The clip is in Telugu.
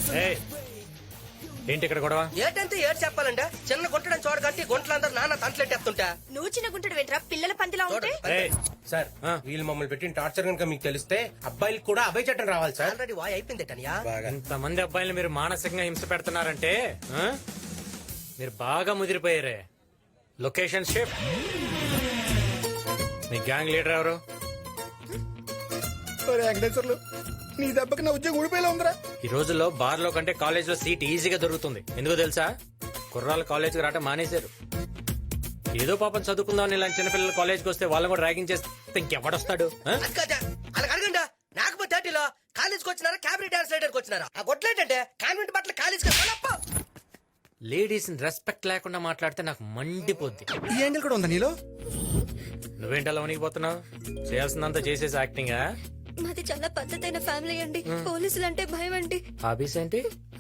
ఏయ్, ఏంటి ఇక్కడ గొడవ? ఏటంటే ఏడు చెప్పాలంటే చిన్న గుంటడం చూడగట్టి గుంటలందరూ నాన్న తంటలెట్టేస్తుంటా. నువ్వు చిన్న గుంటడు వెంట్రా పిల్లల పందిలా ఉంటే. ఏయ్, సార్ ఆ. వీళ్ళు మమ్మల్ని పెట్టిన టార్చర్ కనుక మీకు తెలిస్తే అబ్బాయిలకు కూడా అభయ చట్టం రావాలి సార్. ఆల్రెడీ వాయ్ అయిపోయింది టనియా. ఇంతమంది అబ్బాయిలు మీరు మానసికంగా హింస పెడుతున్నారంటే ఆ? మీరు బాగా ముదిరిపోయారే. Location shift. మీ గ్యాంగ్ లీడర్ ఎవరు? వెంకటేశ్వర్లు నీ దెబ్బకి నా ఉద్యోగం ఊడిపోయేలా ఉందిరా. ఈ రోజుల్లో బార్ లో కంటే కాలేజ్ లో సీట్ ఈజీగా దొరుకుతుంది. ఎందుకో తెలుసా? కుర్రాళ్ళు కాలేజ్ కి రావటం మానేశారు. ఏదో పాపం చదువుకుందాం ఇలాంటి చిన్నపిల్లలు కాలేజ్కి వస్తే వాళ్ళని కూడా ర్యాగింగ్ చేస్తే ఇంకెవడొస్తాడు? ఆ? అది కాదా అలాగ అడగండా. నాకు 30లో కాలేజ్కి వచ్చినారా క్యాబినెట్ డాన్స్ లీడర్కి వచ్చినారా? ఆ గొడ్లేటంటే కాన్వెంట్ బట్టలు కాలేజ్కి లేడీస్ రెస్పెక్ట్ లేకుండా మాట్లాడితే నాకు మండిపోద్ది. ఈ యాంగిల్ కూడా ఉందా నీలో? నువ్వేంటి అలా వణికిపోతున్నావు? చేయాల్సిందంతా చేసేసి యాక్టింగ్. మాది చాలా పద్ధతైన ఫ్యామిలీ అండి. పోలీసులు అంటే భయం అండి. హాబీస్ ఏంటి?